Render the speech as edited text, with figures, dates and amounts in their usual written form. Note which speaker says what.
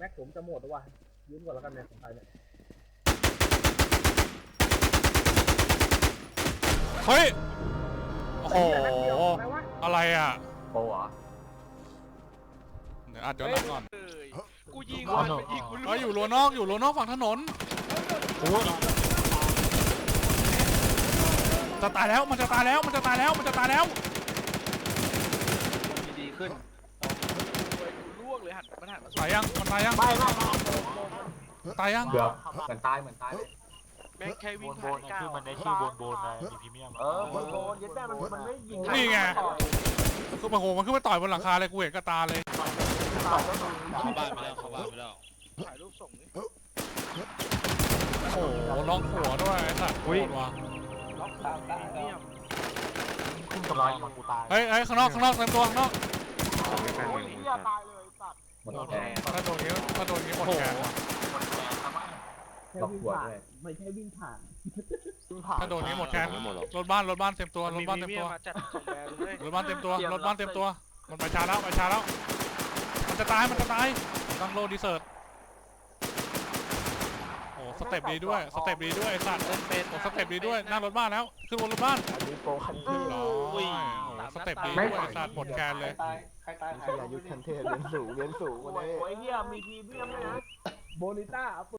Speaker 1: ม็กผมจะหมดแล้วว่ะยืมก่อนแล้วกันเนี่ยของใครเนี่ย
Speaker 2: เฮ้ยโอ้โห
Speaker 1: อะไรวะ
Speaker 2: อะไรอ่ะ
Speaker 3: โปรเหรอ
Speaker 2: เดี๋ยวอัดย้อนหลังก่อน
Speaker 4: กูยิงวันยิงกู
Speaker 2: เฮ้ยอยู่รั้วนอกอยู่รั้วนอกฝั่งถนนจะตายแล้วมันจะตายแล้วมันจะตายแล้วมันจะตายแล้ว
Speaker 4: ดีขึ้นกูล่วงเลยหันมันหันมา
Speaker 2: ตายยังมันตายยัง
Speaker 3: ไม่
Speaker 2: ตายยัง
Speaker 3: เกือบเหมือนตายเลย
Speaker 4: แม่งแค่วิ่ง
Speaker 5: โบนคือมันได้ชื่อโบนนะมีพรีเมียม
Speaker 3: โบนยึดแม่มันไม่ยิง
Speaker 2: นี่ไงคือโอ้โหมันขึ้นมาต่อยบนหลังคาเลยกูเห็นกับตาเลย
Speaker 5: เข้าบ้านไปแล้วเข้าบ้านไปแล้ว
Speaker 4: ถ่ายรูปส่งนี่
Speaker 2: โอ้โหล็อกหัวด้วยไอ้สัตว์โคตรว่ะ
Speaker 4: ล็อกตามได้เนี่ย
Speaker 5: ขึ้นกำลังมันกูตาย
Speaker 2: เฮ้ยข้างนอกเต็มตัวข้างนอก
Speaker 3: โอ้ยเหี้ยตายเลยสัตว์หมดแรง
Speaker 2: ถ้าโดนนี้หมดแขน
Speaker 1: แค่วิ่งผ่านไม่ใช่วิ่งผ่าน
Speaker 2: ถ้าโดนนี้หมดแขนรถบ้านเต็มตัวรถบ้านเต็มตัว
Speaker 4: มาจัดส่งแบรนด์เลย
Speaker 2: รถบ้านเต็มตัวมันไปช้าแล้วมันจะตายตั้งโลดีเซิร์ตโอ้สเต็ปดีด้วยไอ้สัตว์โอ้สเต็ปดีด้วยนั่งรถบ้านแล้วขึ้นบนรถบ้าน
Speaker 3: มีโปรคันเท
Speaker 2: โอ้
Speaker 3: พ
Speaker 2: โหสเต็ปดีด้วยไอ้สัตว์หมดแขนเลย
Speaker 1: ใครตาย
Speaker 3: มีขยายุทธคันเทพเรียนสูงวันนี้โอ้ยเหี้ยมีพรีเมียมด้วยนะ
Speaker 1: โบนิต้า